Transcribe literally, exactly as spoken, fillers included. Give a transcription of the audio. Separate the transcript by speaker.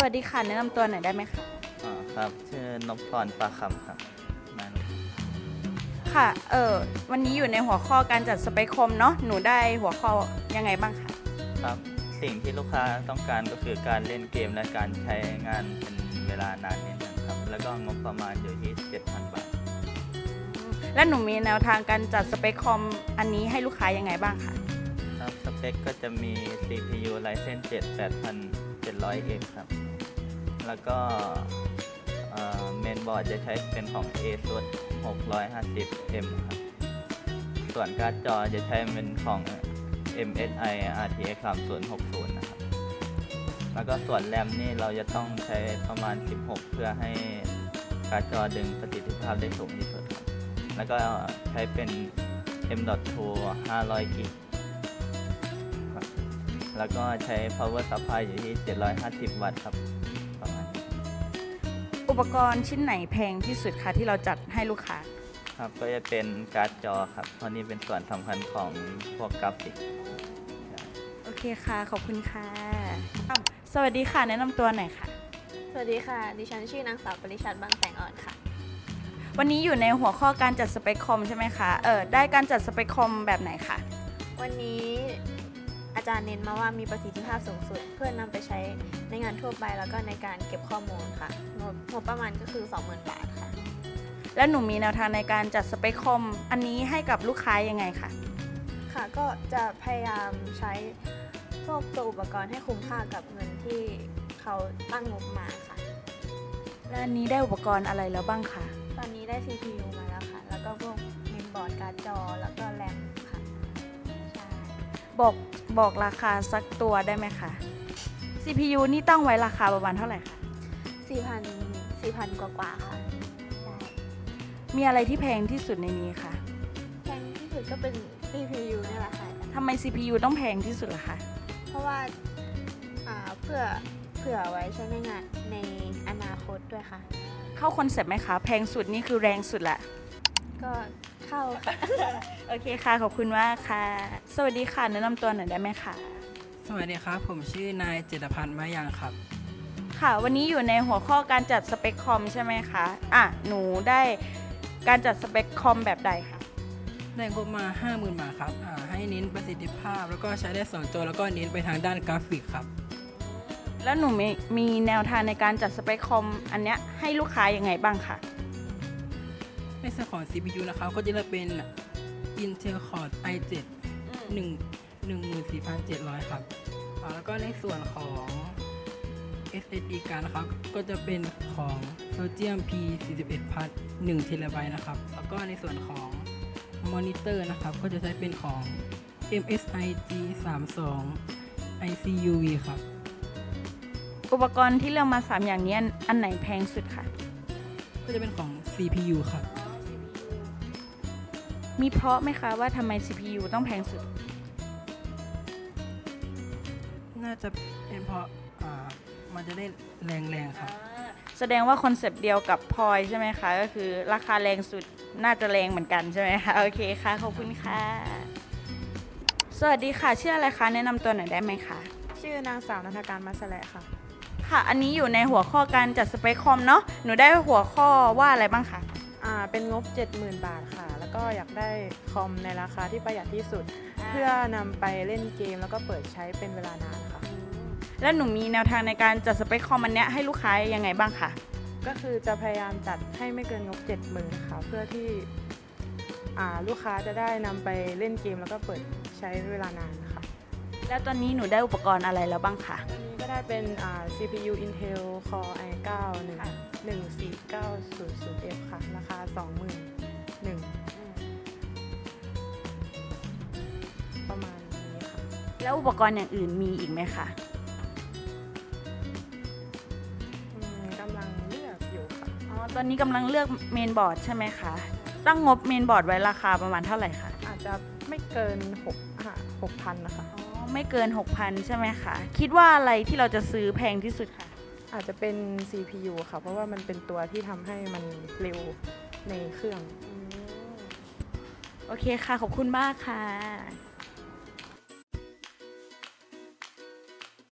Speaker 1: วัสดีค่ะแนะนำตัวหน่อยได้ไหมคะ
Speaker 2: อ๋อครับชื่อนพพรปลาคำครับมา
Speaker 1: ค่ะเออวันนี้อยู่ในหัวข้อการจัดสเปคคอมเนาะหนูได้หัวข้อยังไงบ้างคะ
Speaker 2: ครับสิ่งที่ลูกค้าต้องการก็คือการเล่นเกมและการใช้งานเป็นเวลานานนิดนึงครับแล้วก็งบประมาณอยู่ที่ เจ็ดพัน บาท
Speaker 1: และหนูมีแนวทางการจัดสเปคคอมอันนี้ให้ลูกค้ายังไงบ้างคะ
Speaker 2: ครับสเปคก็จะมี ซี พี ยู Ryzen เจ็ด แปดพันเจ็ดร้อยเอ็กซ์ ครับแล้วก็เมนบอร์ดจะใช้เป็นของ ASUS หกร้อยห้าสิบเอ็ม ครับส่วนการ์ดจอจะใช้เป็นของ เอ็ม เอส ไอ อาร์ ที เอ็กซ์ สามศูนย์หกศูนย์ นะครับแล้วก็ส่วนแรมนี่เราจะต้องใช้ประมาณสิบหกเพื่อให้การ์ดจอดึงประสิทธิภาพได้สูงที่สุดครับแล้วก็ใช้เป็น เอ็ม ดอท ทู ห้าร้อย กิกครับแล้วก็ใช้ power supply อยู่ที่เจ็ดร้อยห้าสิบ วัตต์ครับประมาณนี้
Speaker 1: อุปกรณ์ชิ้นไหนแพงที่สุดคะที่เราจัดให้ลูกค้า
Speaker 2: ครับก็จะเป็นการ์ดจอครับเพราะนี่เป็นส่วนสำคัญของพวกกราฟิก
Speaker 1: โอเคค่ะขอบคุณค่ะสวัสดีค่ะแนะนำตัวหน่อยค่ะ
Speaker 3: สวัสดีค่ะดิฉันชื่อนางสาวปริชัดบางแสงอ่อนค่ะ
Speaker 1: วันนี้อยู่ในหัวข้อการจัดสเปคคอมใช่ไหมคะเออได้การจัดสเปคคอมแบบไหนคะ
Speaker 3: วันนี้อาจารย์เน้นมาว่ามีประสิทธิภาพสูงสุดเพื่อนำไปใช้ในงานทั่วไปแล้วก็ในการเก็บข้อมูลค่ะงบประมาณก็คือ สองหมื่น บาทค่ะ
Speaker 1: และหนูมีแนวทางในการจัดสเปคคอมอันนี้ให้กับลูกค้ายังไงคะ
Speaker 3: ค่ะก็จะพยายามใช้พวกตัวอุปกรณ์ให้คุ้มค่ากับเงินที่เขาตั้งงบมาค่ะ
Speaker 1: และอันนี้ได้อุปกรณ์อะไรแล้วบ้างคะ
Speaker 3: ตอนนี้ได้ ซี พี ยู มาแล้วค่ะแล้วก็พวกเมนบอร์ดการ์ดจอแล้วก็แรมค่ะใช่
Speaker 1: บอกบอกราคาสักตัวได้ไหมคะ ซี พี ยู นี่ตั้งไว้ราคาประมาณเท่าไหร่คะ
Speaker 3: สี่พัน สี่พัน กว่าๆค่ะใช่
Speaker 1: มีอะไรที่แพงที่สุดในนี้คะ
Speaker 3: แพงที่สุดก็เป็น ซี พี ยู นี่แหละค่ะ
Speaker 1: ทำไม ซี พี ยู ต้องแพงที่สุดล่ะคะ
Speaker 3: เพราะว่าเพื่อเผื่อไว้ใช้ในงานในอนาคตด้วยค่ะ
Speaker 1: เข้าคอนเซ็ปต์ไหมคะแพงสุดนี่คือแรงสุดแหละ
Speaker 3: ก็เข้าค่ะ
Speaker 1: โอเคค่ะขอบคุณมากค่ะสวัสดีค่ะแนะนำตัวหน่อยได้ไหมคะ
Speaker 4: สวัสดีครับผมชื่อนายเจตพันธ์มะยังครับ
Speaker 1: ค่ะวันนี้อยู่ในหัวข้อการจัดสเปคคอมใช่ไหมคะอ่ะหนูได้การจัดสเปคคอมแบบใดคะ
Speaker 4: ได้งบมา ห้าหมื่น บาทครับให้เน้นประสิทธิภาพแล้วก็ใช้ได้สองตัวแล้วก็เน้นไปทางด้านกราฟิกครับ
Speaker 1: แล้วหนูมีมีแนวทางในการจัดสเปคคอมอันเนี้ยให้ลูกค้ายังไงบ้างคะ
Speaker 4: ในส่วนของ ซี พี ยู นะครับก็จะเลือกเป็น Intel Core ไอ เซเว่น หนึ่ง หนึ่งหมื่นสี่พันเจ็ดร้อย ครับแล้วก็ในส่วนของ เอส เอส ดี การ์ดนะครับก็จะเป็นของ Pentium พี สี่สิบเอ็ด พัท หนึ่ง เทราไบต์ นะครับแล้วก็ในส่วนของมอนิเตอร์นะครับก็จะใช้เป็นของ เอ็ม เอส ไอ จี สามสิบสอง ไอ ซี ยู วี ครับ
Speaker 1: อุปกรณ์ที่เลือกมาสามอย่างนี้อันไหนแพงสุดคะ
Speaker 4: ก็จะเป็นของ ซี พี ยู ครับ
Speaker 1: มีเพราะไหมคะว่าทำไม ซี พี ยู ต้องแพงสุด
Speaker 4: น่าจะเป็นเพราะมันจะได้แรงๆครับ
Speaker 1: แสดงว่าคอนเซปต์เดียวกับพลอยใช่ไหมคะก็คือราคาแรงสุดน่าจะแรงเหมือนกันใช่ไหมคะโอเคค่ะขอบคุณค่ะสวัสดีค่ะชื่ออะไรคะแนะนำตัวหน่อยได้ไหมคะ
Speaker 5: ชื่อนางสาวนันทการมัสแลค่ะ
Speaker 1: ค่ะอันนี้อยู่ในหัวข้อการจัดสเปคคอมเนาะหนูได้หัวข้อว่าอะไรบ้างคะ
Speaker 5: อ่าเป็นงบ เจ็ดหมื่น บาทค่ะแล้วก็อยากได้คอมในราคาที่ประหยัดที่สุดเพื่อนำไปเล่นเกมแล้วก็เปิดใช้เป็นเวลานานค่ะ
Speaker 1: แล้วหนูมีแนวทางในการจัดสเปคคอมอันเนี้ยให้ลูกค้ายังไงบ้างคะ
Speaker 5: ก็คือจะพยายามจัดให้ไม่เกินงบ เจ็ดหมื่น ค่ะเพื่อที่อ่าลูกค้าจะได้นำไปเล่นเกมแล้วก็เปิดใช้เวลานานค่ะ
Speaker 1: แล้วตอนนี้หนูได้อุปกรณ์อะไรแล้วบ้างคะ
Speaker 5: ตอนนี้ก็ได้เป็นอ่า ซี พี ยู Intel Core ไอ เก้า หนึ่ง หนึ่ง สี่ เก้า ศูนย์ ศูนย์ เอฟ ค่ะราคา สองหมื่นหนึ่ง ประมาณนี้ค่ะ
Speaker 1: แล้วอุปกรณ์อย่างอื่นมีอีกไหมคะ
Speaker 5: กำลังเลือกอยู่ค่ะ
Speaker 1: อ๋อตอนนี้กำลังเลือกเมนบอร์ดใช่ไหมคะตั้งงบเมนบอร์ดไว้ราคาประมาณเท่าไหร่คะ
Speaker 5: อาจจะไม่เกินหกหกพันนะคะ
Speaker 1: อ๋อไม่เกิน หกพัน ใช่ไหมคะคิดว่าอะไรที่เราจะซื้อแพงที่สุดคะ
Speaker 5: อาจจะเป็น ซี พี ยู ค่ะเพราะว่ามันเป็นตัวที่ทำให้มันเร็วในเครื่อง
Speaker 1: โอเคค่ะขอบคุณมากค่ะ